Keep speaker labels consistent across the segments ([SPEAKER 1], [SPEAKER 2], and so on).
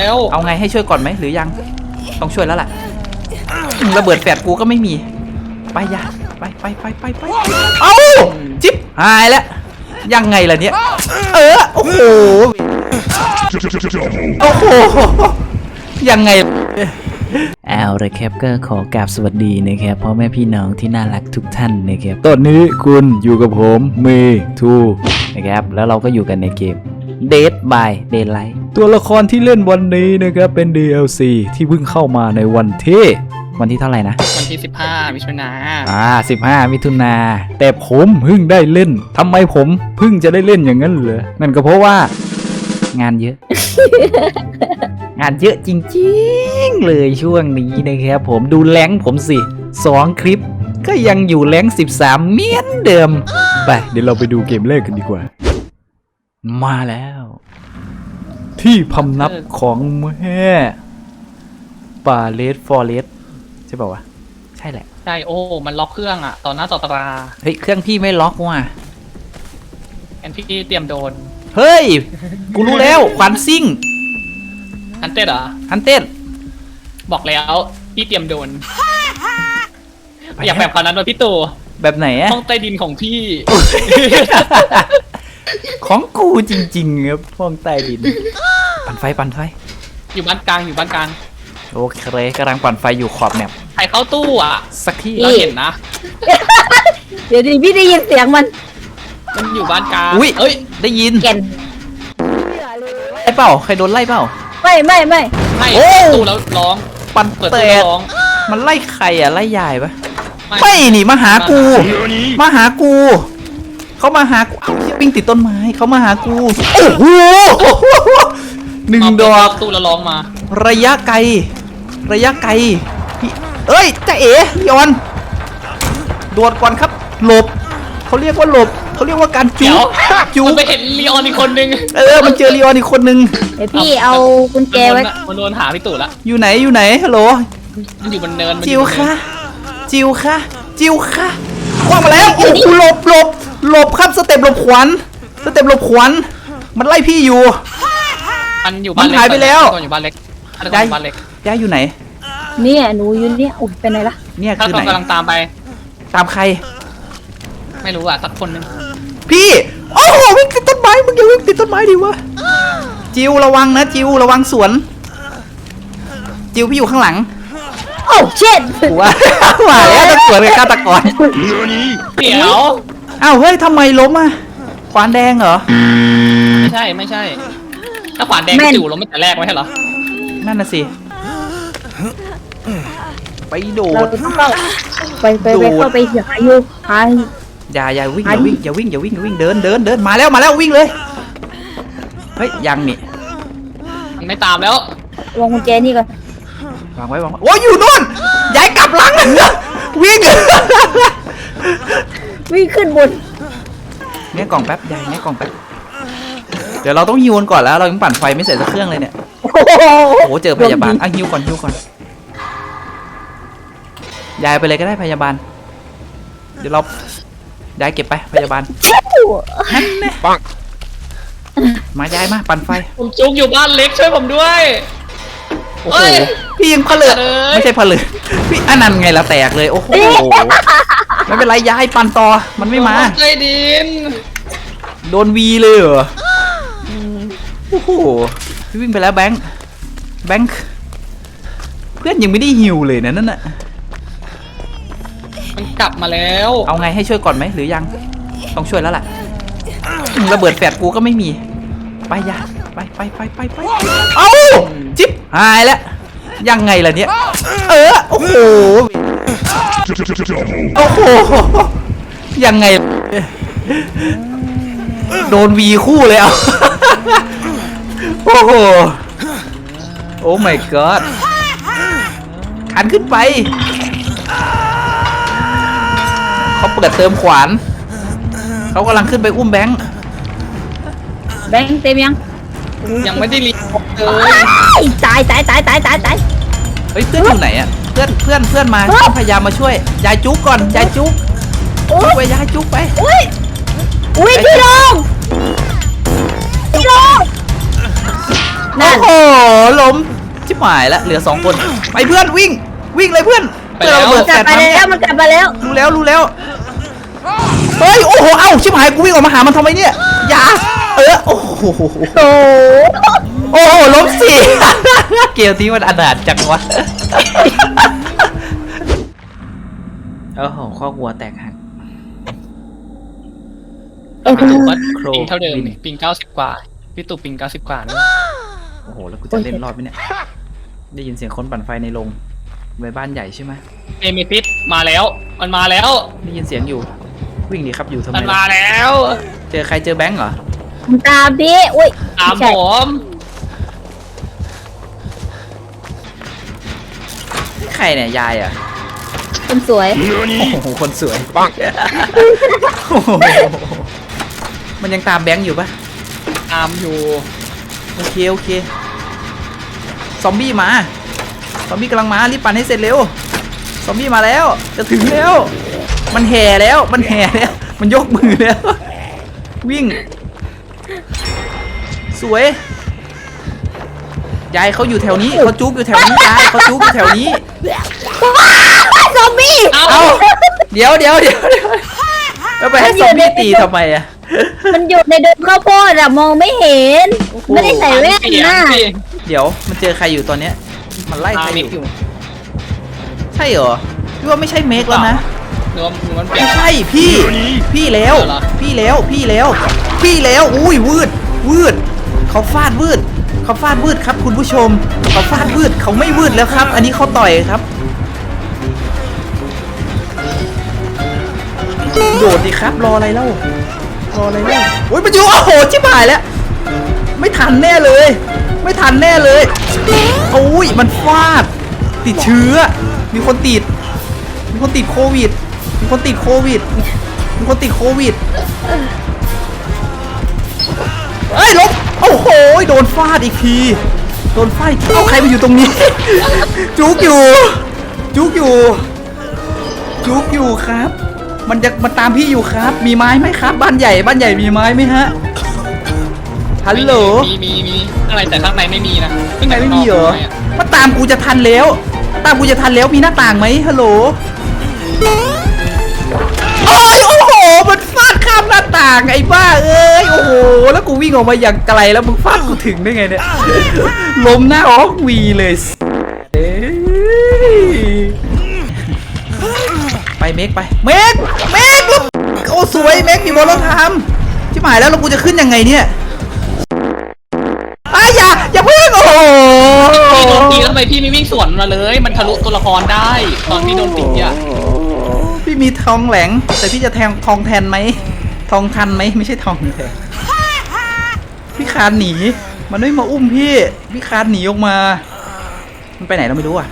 [SPEAKER 1] เอาไงให้ช่วยก่อนไหมหรือยังต้องช่วยแล้วแหละระเบิดแฝดกูก็ไม่มีไปยาไปเอ้าจิ๊บหายแล้วยังไงล่ะเนี่ยโอ้โหยังไงเอาละครับก็ขอกราบสวัสดีนะครับพ่อแม่พี่น้องที่น่ารักทุกท่านนะครับตอนนี้คุณอยู่กับผมเมทูนะครับแล้วเราก็อยู่กันในเกม Dead by Daylight ตัวละครที่เล่นวันนี้นะครับเป็น DLC ที่เพิ่งเข้ามาในวันที่เท่าไหร่นะ
[SPEAKER 2] วันที่15 มิถุนายน
[SPEAKER 1] 15 มิถุนาแต่ผมเพิ่งได้เล่นทำไมผมเพิ่งจะได้เล่นอย่างนั้นเหรอนั่นก็เพราะว่างานเยอะ งานเยอะจริงๆเลยช่วงนี้นะครับผมดูแรงผมสิ2 คลิปก็ยังอยู่แรง13เหมือนเดิมไปเดี๋ยวเราไปดูเกมแรกกันดีกว่ามาแล้วที่พำนักของแม่ป่าเลสฟอเรสใช่ป่าววะใช่แหละ
[SPEAKER 2] ใช่โอ้มันล็อกเครื่องอ่ะต่อหน้าต่อตา
[SPEAKER 1] เฮ้ยเครื่องพี่ไม่ล็อกว่ะ
[SPEAKER 2] แอนพี่เตรียมโดน
[SPEAKER 1] เฮ้ยกูรู้แล้วขวัญซิ่ง
[SPEAKER 2] ฮันเต้เหรอ
[SPEAKER 1] ฮันเต้
[SPEAKER 2] บอกแล้วพี่เตรียมโดนอยากแบบคนนั้นเลยพี่ตู่
[SPEAKER 1] แบบไหนอะ
[SPEAKER 2] ห้องใต้ดินของพี่
[SPEAKER 1] ของกูจริงๆครับห้องใต้ดินปั่นไฟ
[SPEAKER 2] อยู่บ้านกลาง
[SPEAKER 1] โอเคกำลังปั่นไฟอยู่ขอบแมป
[SPEAKER 2] ใครเข้าตู้อ่ะ
[SPEAKER 1] สักที่
[SPEAKER 2] เราเห็นนะ
[SPEAKER 3] เดี๋ยวดิพี่ได้ยินเสียงมัน
[SPEAKER 2] อยู่บ้านกลาง
[SPEAKER 1] อุ้ยเอ้ยได้ยิน
[SPEAKER 3] แก่น
[SPEAKER 1] ไล่เปล่าใครโดนไล่เปล่า
[SPEAKER 3] ไม่
[SPEAKER 1] โอ้
[SPEAKER 2] ตู้แล้วร้อง
[SPEAKER 1] ปั่นเตะมันไล่ใครอ่ะไล่ยายปะไม่นี่มาหากูเขามาหากูวิ่งติดต้นไม้เขามาหากูโอ้โห1 ดอก
[SPEAKER 2] ตู้แล้วร้องมา
[SPEAKER 1] ระยะไกลเอ้ยจะเอ๋ยอนโดดก่อนครับหลบเขาเรียกว่าหลบเขาเรียกว่าการจู
[SPEAKER 2] มันไปเห็นลีออนอีกคนนึง
[SPEAKER 1] มันเจอลีออนอีกคนนึง
[SPEAKER 3] เดี๋ยวพี่เอากุญแจไว้
[SPEAKER 2] มันโดนหาพี่ตู่ละ
[SPEAKER 1] อยู่ไหนฮัลโหล
[SPEAKER 2] มันอยู่บนเนิน
[SPEAKER 1] จิวค่ะคว้างมาแล้วโอ้โหหลบครับสเต็ปหลบขวัญมันไล่พี่อยู่
[SPEAKER 2] มันอยู่บ้านเล็ก
[SPEAKER 1] หายไปแล้ว
[SPEAKER 2] อยู่บ้านเล็ก
[SPEAKER 1] ย้ายอยู่ไหน
[SPEAKER 3] เนี่ยหนูอยู่เนี่ยอุ้ยเป็นไงล่ะ
[SPEAKER 1] เนี่ยคือไหน
[SPEAKER 2] กำลังตามไป
[SPEAKER 1] ตามใคร
[SPEAKER 2] ไม่รู้อ่ะสักคนนึง
[SPEAKER 1] พี่โอ้โหวิ่งติดต้นไม้มึงอย่าวิ่งติดต้นไม้ดิวะจิวระวังนะจิวระวังสวนจิวพี่อยู่ข้างหลัง
[SPEAKER 3] โอ้เช็ด
[SPEAKER 1] ว่าแล้วจะสวนกับฆาตกร
[SPEAKER 2] เดี๋ยว
[SPEAKER 1] อ้าวเฮ้ยทำไมล้มอ่ะขวานแดงเหรอ
[SPEAKER 2] ไม่ใช่ถ้าขวานแดงจิ๋วล้มไม่แต่แรกไว้เหรอ
[SPEAKER 1] นั่นน่ะสิไปโดด
[SPEAKER 3] ไปเข้าไปหาอยู่
[SPEAKER 1] อย่าวิ่งเดินมาแล้ววิ่งเลยเฮ้ยยังนี่
[SPEAKER 2] ไม่ตามแล้ว
[SPEAKER 3] วางกุญแจนี่ก่อน
[SPEAKER 1] วางไว้โอ้ยอยู่นู่นย้ายกลับหลังวิ่ง
[SPEAKER 3] ขึ้นบน
[SPEAKER 1] เนี่ยกล่องแป๊บย้ายเนี่ยกล่องแป๊บเดี๋ยวเราต้องฮิวก่อนแล้วเรายังปั่นไฟไม่เสร็จสักเครื่องเลยเนี่ยโอ้เจอพยาบาลฮิวก่อนย้ายไปเลยก็ได้พยาบาลเดี๋ยวเราย้ายเก็บไปพยาบาลนั่นแน่มาย้ายมาปั่นไฟ
[SPEAKER 2] ผมจุกอยู่บ้านเล็กช่วยผมด้วย
[SPEAKER 1] โอ้โหพี่ยังผลึกไม่ใช่ผลึกพี่อันนั้นไงละแตกเลยโอ้โหไม่เป็นไรย้ายปั่นต่อมันไม่มา
[SPEAKER 2] ใจดิน
[SPEAKER 1] โดนวีเลยเหรอโอ้โหพี่วิ่งไปแล้วแบงค์เพื่อนยังไม่ได้ฮิวเลยนะนั่นน่ะ
[SPEAKER 2] มันกลับมาแล้ว
[SPEAKER 1] เอาไงให้ช่วยก่อนไหมหรือยังต้องช่วยแล้วล่ะระเบิดแฝดกูก็ไม่มีไปยาไปเอ้าจิ๊บหายแล้วยังไงล่ะเนี่ยโอ้โหยังไงโดนวีคู่เลยเอาโอ้โหโอ้ my god ขันขึ้นไปเขาเปิดเติมขวานเขากำลังขึ้นไปอุ้มแบงค์
[SPEAKER 3] เต็ม
[SPEAKER 2] ยังไม่ได้รี
[SPEAKER 3] เลยตาย
[SPEAKER 1] เฮ้ยเพื่อนอยู่ไหนอะเพื่อนมาพยายามมาช่วยยายจุ๊กก่อนยายจุ๊กไปยายจุ๊กไป
[SPEAKER 3] อุ้ยพี่ลงนั่น
[SPEAKER 1] โอ้โหล้มชิบหายแล้วเหลือ2 คนไปเพื่อนวิ่งเลยเพื่อน
[SPEAKER 2] ไปแล้ว
[SPEAKER 1] เพื่อน
[SPEAKER 3] กลับไปแล้วมันกลับมาแล้ว
[SPEAKER 1] รู้แล้วเฮ้ยโอ้โหเอ้าชิบหายกูวิ่งออกมาหามันทำไมเนี่ยอย่าโอ้โห
[SPEAKER 3] โอ้
[SPEAKER 1] โอ้โหล้มสี่ เกมนี้มันอนาถจังวะโอ้โหข้อวัวแตกหัก
[SPEAKER 2] พี่ตู่ก็
[SPEAKER 1] โคร
[SPEAKER 2] ปิงเท่าเดิม
[SPEAKER 1] วิน
[SPEAKER 2] นี่ปิง90 กว่าพี่ตู่ปิง90 กว่านี่
[SPEAKER 1] โอ้โหแล้วกูจะเล่นรอดไหมเนี่ยได้ยินเสียงคนปั่นไฟในโรงในบ้านใหญ่ใช่ไหม
[SPEAKER 2] เอเมทิสมาแล้วมันมาแล้ว
[SPEAKER 1] ได้ยินเสียงอยู่วิ่งดีครับอยู่ทำไม
[SPEAKER 2] มันมา
[SPEAKER 1] ล่ะ
[SPEAKER 2] แล้ว
[SPEAKER 1] เจอใครเจอแบงค์เหรอ
[SPEAKER 3] มันตามพี่อุ้ย
[SPEAKER 2] ตาม
[SPEAKER 3] ไใช่
[SPEAKER 2] ผม
[SPEAKER 1] ใครเนี่ยยายอ่ะ
[SPEAKER 3] คนสวย
[SPEAKER 1] โอ้โหคนสวยปังมันยังตามแบงค์อยู่ปะ
[SPEAKER 2] ตามอยู่
[SPEAKER 1] โอเคซอมบี้มาซอมบี้กำลังมารีบปั่นให้เสร็จเร็วซอมบี้มาแล้วจะถึงแล้วมันแห่แล้วมันยกมือแล้ววิ่งสวยยายเขาอยู่แถวนี้เขาจุกอยู่แถวนี้ยายเขาจุกอยู่แถวนี้
[SPEAKER 3] ซอมบี้
[SPEAKER 1] เอาเดี๋ยวแล้วไปให้ซอมบี้ตีทำไมอะ
[SPEAKER 3] มันอยู่ในดงข้าวโพดอะมองไม่เห็น
[SPEAKER 1] โอ้โห
[SPEAKER 3] ไม่ได้ใส่แว่น
[SPEAKER 2] เสียง
[SPEAKER 3] นะ
[SPEAKER 2] สิ
[SPEAKER 1] เดี๋ยวมันเจอใครอยู่ตอนเนี้ยมันไล่
[SPEAKER 2] ตา
[SPEAKER 1] ใคร
[SPEAKER 2] มิ
[SPEAKER 1] อก
[SPEAKER 2] อยู่
[SPEAKER 1] ยู่ใช่เหรอพี่ว่าไม่ใช่เมกแล้วนะ
[SPEAKER 2] หรือว่ามันเปลี่ย
[SPEAKER 1] ไม่
[SPEAKER 2] น
[SPEAKER 1] ใช่พี่แล้ว
[SPEAKER 2] เหรอ
[SPEAKER 1] พี่แล้วอุ้ยวืดเขาฟาดวืดครับคุณผู้ชมเขาฟาดวืดเขาไม่วืดแล้วครับ อันนี้เขาต่อยครับโดดดิครับรออะไรเล่าโอ้ยมันอยู่โอ้โหชิบหายแล้วไม่ทันแน่เลยโอ้ยมันฟาดติดเชื้อมีคนติดโควิดเอ้ยลบโอ้โหโดนฟาดอีกทีเอาใครมาอยู่ตรงนี้ จุกอยู่ครับมันตามพี่อยู่ครับมีไม้ไหมครับบ้านใหญ่มีไม้ไหมฮะฮัลโหล
[SPEAKER 2] มีอะไรแต่ข้างในไม่มีนะ
[SPEAKER 1] ข้างในไม่มีเหรอมาตามกูจะทันแล้วมีหน้าต่างไหมฮัลโหลโอ้โหมันฟาดข้ามหน้าต่างไอ้บ้าเอ้ยโอ้โหแล้วกูวิ่งออกมาอย่างไกลแล้วมึงฟาดกูถึงได้ไงเนี่ยล้มหน้าออกวีเลยเอ้ยไปเมกโอ้สวยเมกมีบอลรถทำที่หมายแล้วกูจะขึ้นยังไงเนี่ยอย่าเพิ่งโอ้โห
[SPEAKER 2] พี่โดนตีแล้วทำไมพี่ไม่วิ่งสวนมาเลย มันทะลุตัวละครได้ ตอนพี่โดนตีอ่ะ
[SPEAKER 1] พี่มีทองแหลงแต่พี่จะแทงทองแทนไหมทองทันไหมไม่ใช่ทองแทนพี่คานหนีมันไม่มาอุ้มพี่คานหนีออกมามันไปไหนเราไม่รู้อ่ะ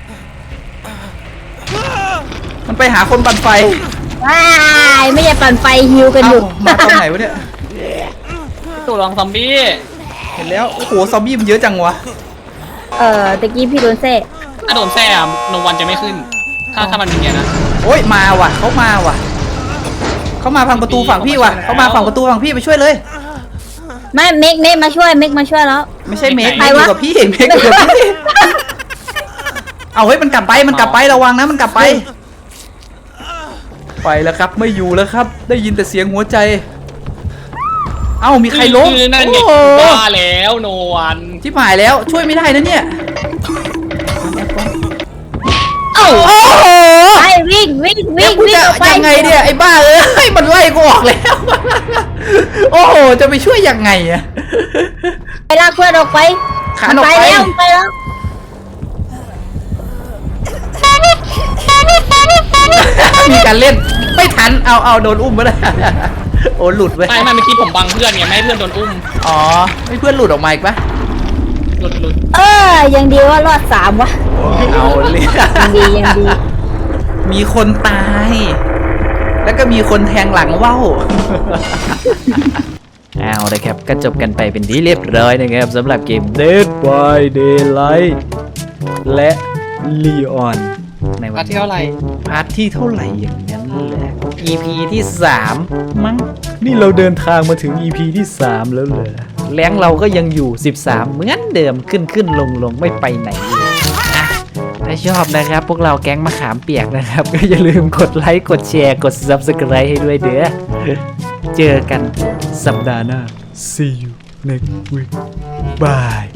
[SPEAKER 1] มันไปหาคนปั่นไฟ
[SPEAKER 3] ว้ายไม่ใช่ปั่นไฟฮิวกันอยู่
[SPEAKER 1] เอ้ามาตอนไหนวะเนี่ย
[SPEAKER 2] พี่ตู่ลองซอมบี้
[SPEAKER 1] เห็นแล้วโอ้โหซอมบี้มันเยอะจังวะ
[SPEAKER 3] ตะกี้พี่โดนเซ่
[SPEAKER 2] ถ้าโดนแซ่โนวันจะไม่ขึ้น ถ้ามันเป็นอย่างนี้นะ
[SPEAKER 1] โอ้ยมาว่ะเขามาฝั่งประตูฝั่งพี่ว่ะเขามาฝั่งประตูฝั่งพี่ไปช่วยเลย
[SPEAKER 3] ไม่เมกมาช่วยแล้ว
[SPEAKER 1] ไม่ใช่เมก
[SPEAKER 3] ใคร
[SPEAKER 1] อยู่
[SPEAKER 3] วะ
[SPEAKER 1] กับพี่เมกอยู่กับพี่เอาเฮ้ยมันกลับไประวังนะมันกลับไปแล้วครับไม่อยู่แล้วครับ ได้ยินแต่เสียงหัวใจเอ้ามีใครล้ม
[SPEAKER 2] คือนั่นไง
[SPEAKER 1] โอ้โห
[SPEAKER 2] ว่าแล้วโนวัน
[SPEAKER 1] ที่หายแล้วช่วยไม่ได้นะเนี่ย
[SPEAKER 3] เอ้า
[SPEAKER 1] โอ้โห
[SPEAKER 3] ไปวิ่ง
[SPEAKER 1] แล้วกูจะ
[SPEAKER 3] ออกไป
[SPEAKER 1] ยังไงเนี่ยไอ้บ้าเอ้ยมันไล่กูออกแล้ว โอ้โหจะไปช่วยยังไงอะ
[SPEAKER 3] ไปลากเพื่อนออกไป
[SPEAKER 1] ขานออกไป
[SPEAKER 3] ไปแล้ว
[SPEAKER 1] มีการเล่นไม่ทันเอาโดนอุ้มมาแล้ว โอ้หลุดเว้ย
[SPEAKER 2] ไม่เมื่อกี้ผมบังเพื่อนไงไม่ให้เพื่อนโดนอุ้ม
[SPEAKER 1] อ๋อไม่เพื่อนหลุดออกมาอีกปะ
[SPEAKER 2] หลุด
[SPEAKER 3] ยังดีว่ารอด3วะ
[SPEAKER 1] เอาเลย
[SPEAKER 3] ยังดี
[SPEAKER 1] มีคนตาย แล้วก็มีคนแทงหลังว่าวเอาเลยครับก็จบกันไปเป็นที่เรียบร้อยนะครับสำหรับเกม Dead by Daylight และ Leon ในวั
[SPEAKER 2] มาน เที่ยวอะไร
[SPEAKER 1] พาร์ทที่เท่าไหร่อย่างนั้นแหละ EP ที่ 3 มั้งนี่เราเดินทางมาถึง EP ที่ 3 แล้วเหรอแรงเราก็ยังอยู่13เหมือนเดิมขึ้นลงไม่ไปไหนเลยอ่ะถ้าชอบนะครับพวกเราแก๊งมะขามเปียกนะครับ ก็อย่าลืมกดไลค์กดแชร์กด Subscribe ให้ด้วยเด้อเจอกันสัปดาห์หน้า See you next week Bye